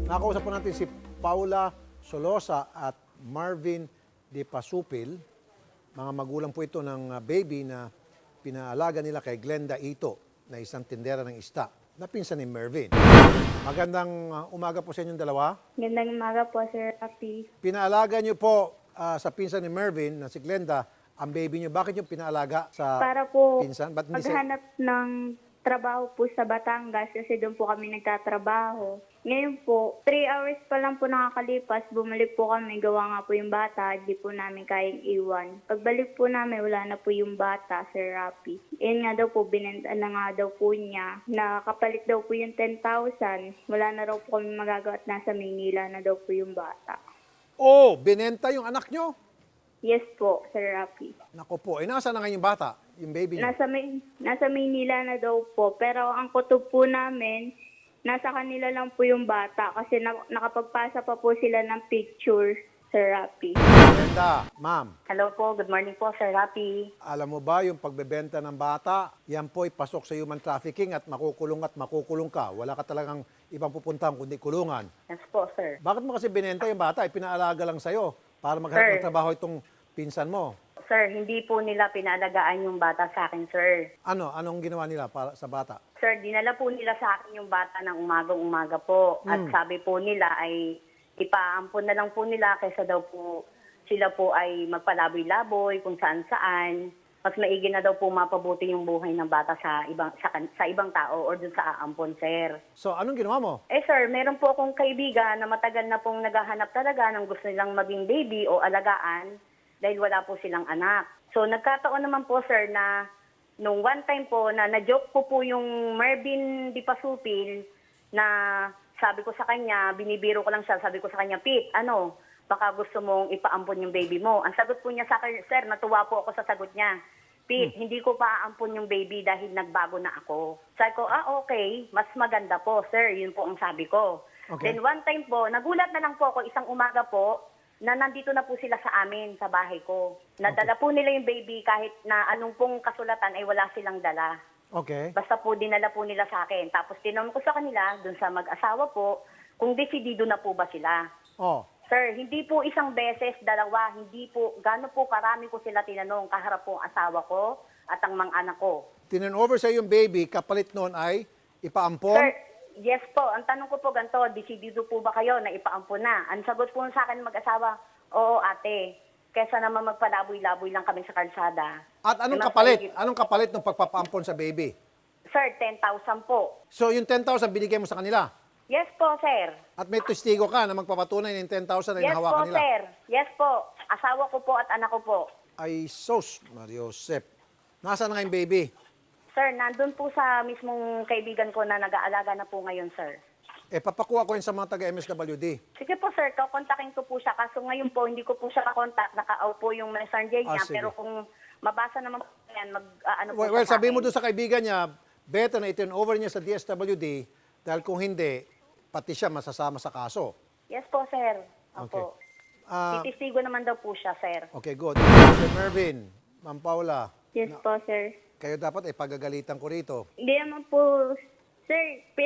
Nakausap po natin si Paula Solosa at Marvin De Pasupil. Mga magulang po ito ng baby na pinaalaga nila kay Glenda Ito na isang tindera ng ista na pinsan ni Mervin. Magandang umaga po sa inyong dalawa. Magandang umaga po, Sir Rafi. Pinaalaga niyo po sa pinsan ni Mervin na si Glenda ang baby niyo. Bakit niyo pinaalaga sa Para po pinsan? Ba't hindi maghanap ng trabaho po sa Batangas kasi doon po kami nagtatrabaho. Ngayon po, 3 hours pa lang po nakakalipas, bumalik po kami, gawa nga po yung bata, hindi po namin kayang iwan. Pagbalik po namin, wala na po yung bata, Sir Rafi. Yun nga daw po, binenta na nga daw po niya, nakapalit daw po yung 10,000, wala na raw po kami magagawa at nasa Maynila na daw po yung bata. Oh, binenta yung anak niyo? Yes po, Sir Rafi. Nako po, nasa na ngayon yung bata? Yung baby niyo? Nasa Maynila na daw po, pero ang kutob po namin, nasa kanila lang po yung bata kasi nakapagpasa pa po sila ng picture, Sir Rafi. Glenda, ma'am. Hello po, good morning po, Sir Rafi. Alam mo ba yung pagbebenta ng bata, yan po ay pasok sa human trafficking at makukulong ka. Wala ka talagang ibang pupuntahan kundi kulungan. Yes po, sir. Bakit mo kasi binenta yung bata? Ay pinaalaga lang sa'yo para maghanap ng Sir. trabaho itong pinsan mo. Sir, hindi po nila pinalagaan yung bata sa akin, sir. Anong ginawa nila para sa bata? Sir, dinala po nila sa akin yung bata ng umagang-umaga po. At sabi po nila ay ipaampon na lang po nila kaysa daw po sila po ay magpalaboy-laboy kung saan-saan. Mas maigi na daw po mapabuti yung buhay ng bata sa ibang tao or dun sa aampon, sir. So, anong ginawa mo? Sir, meron po akong kaibigan na matagal na pong naghahanap talaga ng gusto nilang maging baby o alagaan dahil wala po silang anak. So, nagkataon naman po, sir, na nung one time po na na-joke po yung Marvin Di Pasupil na sabi ko sa kanya, binibiro ko lang siya, sabi ko sa kanya, Pete, baka gusto mong ipaampon yung baby mo. Ang sagot po niya sa akin, sir, natuwa po ako sa sagot niya. Pete, hindi ko paampon yung baby dahil nagbago na ako. Sabi ko, okay, mas maganda po, sir. Yun po ang sabi ko. Okay. Then one time po, nagulat na lang po ako, isang umaga po, na nandito na po sila sa amin, sa bahay ko. Nadala po nila yung baby kahit na anong pong kasulatan ay wala silang dala. Okay. Basta po dinala po nila sa akin. Tapos tinanong ko sa kanila, dun sa mag-asawa po, kung desidido na po ba sila. Oh, Sir, hindi po isang beses, dalawa, hindi po, gano'n po karami ko sila tinanong, kaharap po ang asawa ko at ang mga anak ko. tinan over sa yung baby, kapalit noon ay ipaampon? Sir, yes po. Ang tanong ko po ganito, desidido po ba kayo na ipaampon na? Ang sagot po sa akin mag-asawa, oo ate, kesa naman magpalaboy-laboy lang kami sa kalsada. At anong Mas kapalit? maigi- Anong kapalit ng pagpapaampon sa baby? Sir, 10,000 po. So yung 10,000 binigay mo sa kanila? Yes po, sir. At may testigo ka na magpapatunay ng 10,000 na Yes po, hinahawakan nila? sir. Yes po. Asawa ko po at anak ko po. Ay sos, Mariosep. Nasaan na nga yung baby? Sir, nandun po sa mismong kaibigan ko na nag-aalaga na po ngayon, sir. Papakuha ko yun sa mga taga-MSWD. Sige po, sir. Kakontakin ko po siya. Kaso ngayon po, hindi ko po siya kakontak. Naka-out po yung messenger niya. Sige. Pero kung mabasa naman po yan, Well, sa sabihin mo akin. doon sa kaibigan niya, better na i-turn over niya sa DSWD dahil kung hindi, pati siya masasama sa kaso. Yes po, sir. Okay. Opo. Ah, Titistigo naman daw po siya, sir. okay, good. Sir Mervin, Ma'am Paula, Yes po, sir. kayo dapat pagagalitan ko rito. Hindi naman po, sir,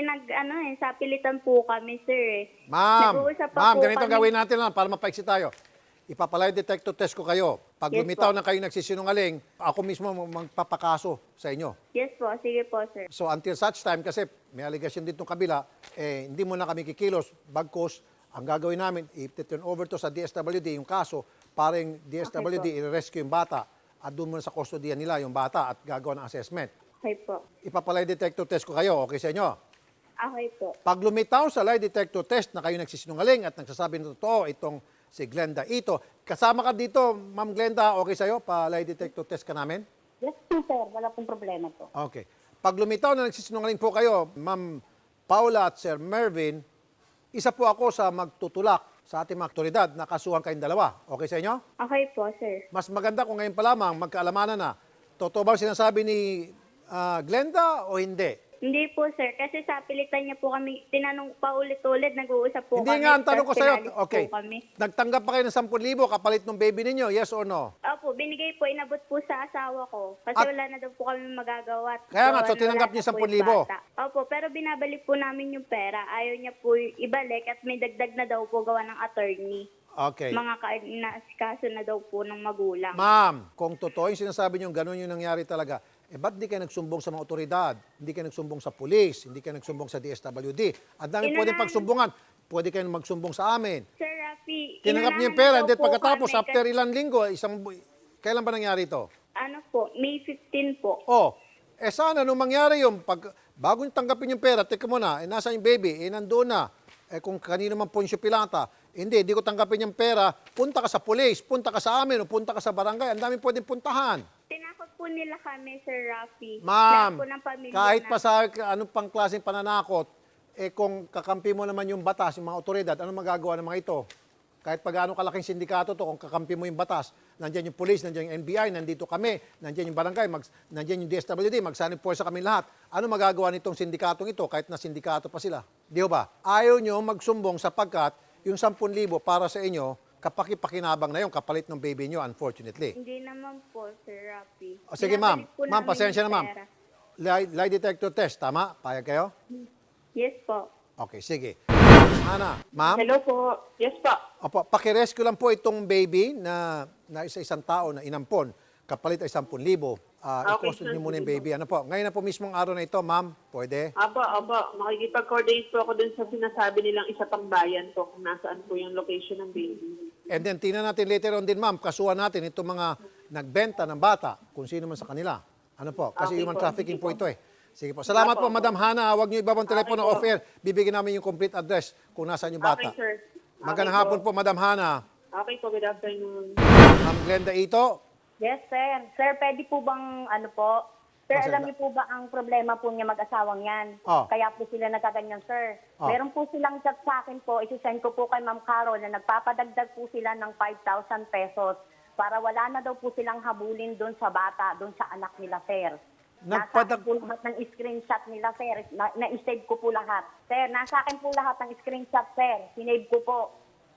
sapilitan po kami, sir. Ma'am, Nag-uusap pa po ganito kami. gawin natin lang para mapaiksi tayo. Ipapalay detector test ko kayo. Pag Yes lumitaw po. na kayo nagsisinungaling, ako mismo magpapakaso sa inyo. Yes po, sige po, sir. So until such time, kasi may allegation dito kabila, hindi mo na kami kikilos, bagkos, ang gagawin namin, i-turn over to sa DSWD yung kaso, para yung DSWD i-rescue yung bata at doon muna sa kustodiyan nila yung bata at gagawa ng assessment. Okay po. Ipapalay detector test ko kayo, okay sa inyo? Okay po. Pag lumitaw sa lie detector test na kayo nagsisinungaling at nagsasabi ng totoo itong si Glenda Ito, kasama ka dito, Ma'am Glenda, okay sa'yo? Pa-lie detector test ka namin? Yes po, sir. Wala pong problema po. Okay. Pag lumitaw na nagsisinungaling po kayo, Ma'am Paula at Sir Mervin, isa po ako sa magtutulak sa ating mga aktoridad na kasuhan kayong dalawa. Okay sa inyo? Okay po, sir. Mas maganda kung ngayon pa lamang magkaalamanan na. Totoo ba ang sinasabi ni Glenda o hindi? Hindi po, sir. Kasi sa pilitan niya po kami, tinanong pa ulit-ulit, nag-uusap po Hindi kami. nga, ang tanong ko tapos sa'yo, pinalis okay, po kami. nagtanggap pa kayo ng 10,000 kapalit ng baby ninyo, yes or no? Opo, binigay po, inabot po sa asawa ko. Kasi At- wala na daw po kami magagawa. Kaya nga, so wala tinanggap na niyo po 10,000? yung bata. Opo, pero binabalik po namin yung pera. Ayaw niya po ibalik at may dagdag na daw po gawa ng attorney. Okay. Mga kaso na daw po ng magulang. Ma'am, kung totoo yung sinasabi niyo, ganun yung nangyari talaga, ba't di kayo nagsumbong sa mga otoridad? Hindi kayo nagsumbong sa pulis, hindi kayo nagsumbong sa DSWD. Ang dami pwedeng pagsumbungan. Pwede kayo magsumbong sa amin. Sir Rafi, Tinanggap niyo yung inunahan pera, na and then daw po pagkatapos, kami after ilang linggo, kailan ba nangyari ito? ano po, May 15 po. Oh, sana nung mangyari yung bago nyo tanggapin yung pera, teka muna, nasa yung baby, nandoon na. Kung kanino man Poncio Pilata, hindi ko tanggapin yung pera, punta ka sa pulis, punta ka sa amin, o punta ka sa barangay, ang dami pwedeng puntahan. Tinakot po nila kami, Sir Rafi. Ma'am, Lahat po ng pamilya kahit na- pa sa anong pang klaseng pananakot, kung kakampi mo naman yung batas, yung mga otoridad, ano magagawa ng mga ito? Kahit pa gaano kalaking sindikato to, kung kakampi mo yung batas, nandiyan yung police, nandiyan yung NBI, nandito kami, nandiyan yung barangay, nandiyan yung DSWD, magsanib po sa kami lahat. Ano magagawa nitong sindikatong ito kahit na sindikato pa sila? Di ba? Ayaw nyo magsumbong sapagkat yung 10,000 para sa inyo, kapaki-pakinabang na yung kapalit ng baby nyo, unfortunately. Hindi naman po, Sir Rafi. O, sige ma'am, Binabalik po ma'am, namin pasensya na yung ma'am. pera. Lie detector test, tama? Payag kayo? Yes po. Okay, sige. Ana, ma'am? Hello po. Yes po. Opo, pakirescue lang po itong baby na isang tao na inampon. Kapalit ay 10,000. Okay, I-custody sir. niyo muna yung baby. Ano po? Ngayon na po mismong araw na ito, ma'am. Pwede? Aba. Makikipag-coordinate po ako dun sa sinasabi nilang isa pang bayan po kung nasaan po yung location ng baby. And then, tingnan natin later on din, ma'am. Kasuhan natin itong mga nagbenta ng bata, kung sino man sa kanila. Ano po? Kasi Okay human po, trafficking sige po po. ito eh. Sige po. Salamat po, Opo, Madam Hana. Huwag niyo ibabang telepono po. off-air. Bibigyan namin yung complete address kung nasaan yung bata. Okay, sir. Magandang Okay hapon po, Madam Hana. Okay po, good afternoon. Ma'am Glenda Ito. Yes, sir. Sir, pwede po bang ano po? Sir, Sir, alam niyo po ba ang problema po niya mag-asawang yan? Oh. Kaya po sila nagkaganyan, sir. Oh. Meron po silang chat sa akin po, isi-send ko po kay Ma'am Carol na nagpapadagdag po sila ng 5,000 pesos para wala na daw po silang habulin doon sa bata, doon sa anak nila, sir. Nasa akin po lahat ng screenshot nila, sir. Na-save ko po lahat. Sir, nasa akin po lahat ng screenshot, sir. Sinave ko po.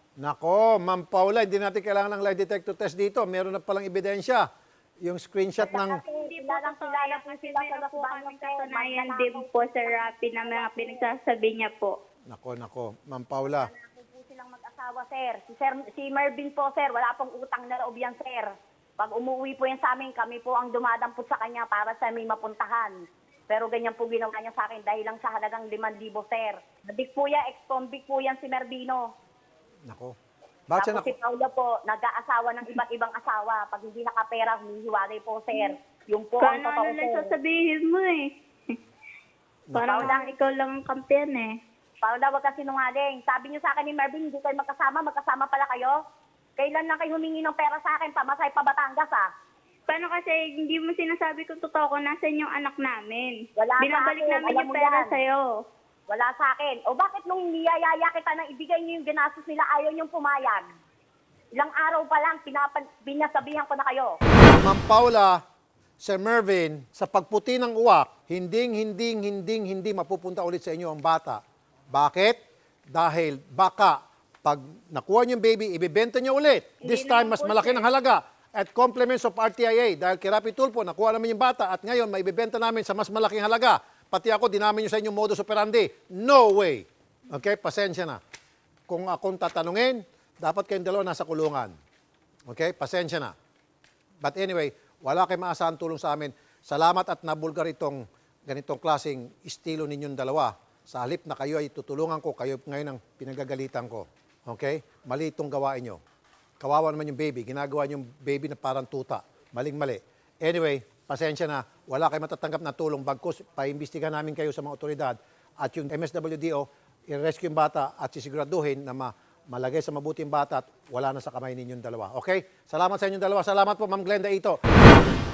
Nako, Ma'am Paula, hindi natin kailangan ng lie detector test dito. Meron na palang ebidensya. Yung screenshot ng... Hindi po Kilalang totoo kilala yan po kasi sila sa meron po Lakbayan, kaming sir. katunayan Mananakot din po, Sir Rafi, na mga pinagsasabi niya po. Nako, Ma'am Paula. Wala po silang mag-asawa, sir. Si Mervin po, sir, wala pong utang na loob yan, sir. Pag umuwi po yan sa amin, kami po ang dumadampot sa kanya para sa may mapuntahan. Pero ganyan po ginawa niya sa akin dahil lang sa halagang 5,000, sir. Nadik po yan, ex-convict po yan si Mervino. Nako. Bakit siya Tapos si Paula po, nag-aasawa ng iba't ibang asawa. Pag hindi nakapera, humihiwalay po, sir. Yung po ang Kung totoo, ano lang sir. sasabihin mo eh. Parang lang ikaw lang ang kampiyan eh. Paula, wag ka sinungaling. Sabi niyo sa akin ni Mervin, hindi kayo magkasama pala kayo. Kailan lang kayo humingi ng pera sa akin, pamasay pa Batangas, ah. Paano kasi hindi mo sinasabi kung totoo kung nasan yung anak namin? Wala Binabalik sa akin, namin alam yung mo pera yan. sa'yo. Wala sa akin. O bakit nung niyayaya kita nang ibigay niyo yung ginastos nila, ayaw niyong pumayag? Ilang araw pa lang, binasabihan ko na kayo. Ma'am Paula, Sir Mervin, sa pagputi ng uwak, hindi mapupunta ulit sa inyo ang bata. Bakit? Dahil baka pag nakuha niyo yung baby, ibibenta niyo ulit. This Hindi time, naman mas po, malaki sir. ng halaga. At compliments of RTIA, dahil kay Rapi Tulfo, nakuha namin yung bata at ngayon, maibibenta namin sa mas malaking halaga. Pati ako, dinamin niyo sa inyong modus operandi. No way. Okay? Pasensya na. Kung akong tatanungin, dapat kayong dalawa nasa kulungan. Okay? Pasensya na. But anyway, wala kayong maasahan tulong sa amin. Salamat at nabulgar itong ganitong klaseng estilo ninyong dalawa. Sa halip na kayo ay tutulungan ko, kayo ngayon ang pinagagalitan ko. Okay? Mali itong gawain nyo. Kawawa naman yung baby. Ginagawa yung baby na parang tuta. Maling-mali. Anyway, pasensya na. Wala kayong matatanggap na tulong. Bagkus, paimbestigahan namin kayo sa mga otoridad. At yung MSWDO, i-rescue yung bata at sisiguraduhin na malagay sa mabuting bata at wala na sa kamay ninyong dalawa. Okay? Salamat sa inyong dalawa. Salamat po, Ma'am Glenda Ito.